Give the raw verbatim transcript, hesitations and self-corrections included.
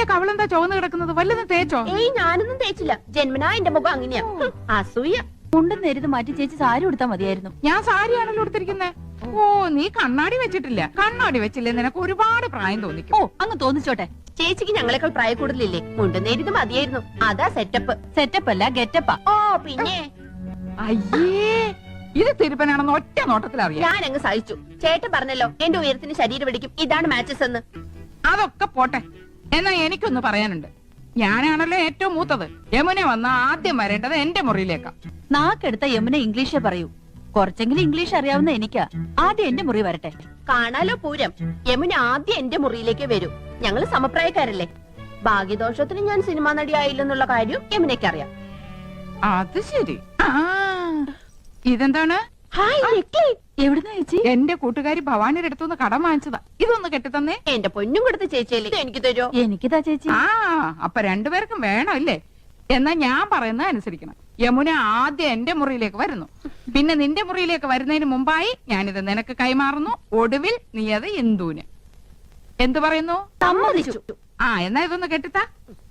കവളെന്താ ചുവന്ന് കിടക്കുന്നത്? വല്ലതും തേച്ചോ? ഏയ് ഞാനൊന്നും തേച്ചില്ല. ജന്മനാ എന്റെ മുഖം അങ്ങനെയാ. അസൂയ. മുണ്ടും നേരിത് മാറ്റി ചേച്ചി സാരി ഉടുത്താ മതിയായിരുന്നു. ഞാൻ സാരിയാണല്ലോ എടുത്തിരിക്കുന്നേ. ഓ, നീ കണ്ണാടി വെച്ചിട്ടില്ല. കണ്ണാടി വെച്ചില്ലേ നിനക്ക് ഒരുപാട് പ്രായം തോന്നിക്കും. ഓ, അങ്ങ് തോന്നിച്ചോട്ടെ. ചേച്ചിക്ക് ഞങ്ങളെക്കാൾ പ്രായ കൂടുതലില്ലേ? മുണ്ടുന്നേരിത് മതിയായിരുന്നു. അതാ സെറ്റപ്പ്. സെറ്റപ്പ് അല്ല ഗെറ്റപ്പാ. ഓ പിന്നെ അയ്യേ, ഇത് തിരുപ്പനാണെന്ന് ഒറ്റ നോട്ടത്തിൽ അറിയാം. ഞാൻ അങ്ങ് സഹിച്ചു. ചേട്ടൻ പറഞ്ഞല്ലോ എന്റെ ഉയരത്തിന് ശരീരം പിടിക്കും, ഇതാണ് മാച്ചസ് എന്ന്. അതൊക്കെ പോട്ടെ. എന്നാ എനിക്കൊന്ന് പറയാനുണ്ട്. ഞാനാണല്ലോ ഏറ്റവും മൂത്തത്. യമുന വന്ന ആദ്യം വരേണ്ടത് എന്റെ മുറിയിലേക്കാ. നാക്കെടുത്ത യമുന ഇംഗ്ലീഷേ പറയൂ. കുറച്ചെങ്കിലും ഇംഗ്ലീഷ് അറിയാവുന്ന എനിക്കാ. ആദ്യം എന്റെ മുറി വരട്ടെ. കാണാലോ പൂരം. യമുന ആദ്യം എന്റെ മുറിയിലേക്ക് വരൂ. ഞങ്ങള് സമപ്രായക്കാരല്ലേ. ഭാഗ്യദോഷത്തിന് ഞാൻ സിനിമാ നടി ആയില്ലെന്നുള്ള കാര്യം യമുനയ്ക്ക് അറിയാം. അത് ശരി. ആ, ഇതെന്താണ്? എവിടുന്ന ചേച്ചി? എന്റെ കൂട്ടുകാരി ഭവാനിയുടെ അടുത്തുനിന്ന് കടം വാങ്ങിച്ചതാ. ഇതൊന്ന് കെട്ടിത്തന്നേ. എന്റെ പൊന്നും കൊടുത്ത ചേച്ചിയല്ലേ, എനിക്ക് തരുമോ? എനിക്കിതാ ചേച്ചി. ആ, അപ്പൊ രണ്ടുപേർക്കും വേണം അല്ലേ? എന്നാ ഞാൻ പറയുന്നത് അനുസരിക്കണം. യമുന ആദ്യം എന്റെ മുറിയിലേക്ക് വരുന്നു. പിന്നെ നിന്റെ മുറിയിലേക്ക് വരുന്നതിന് മുമ്പായി ഞാനിത് നിനക്ക് കൈമാറുന്നു. ഒടുവിൽ നീ അത് ഇന്ദുവിന്. എന്തു പറയുന്നു? സമ്മതിച്ചു. ആ, എന്നാ ഇതൊന്ന് കെട്ടിത്താ.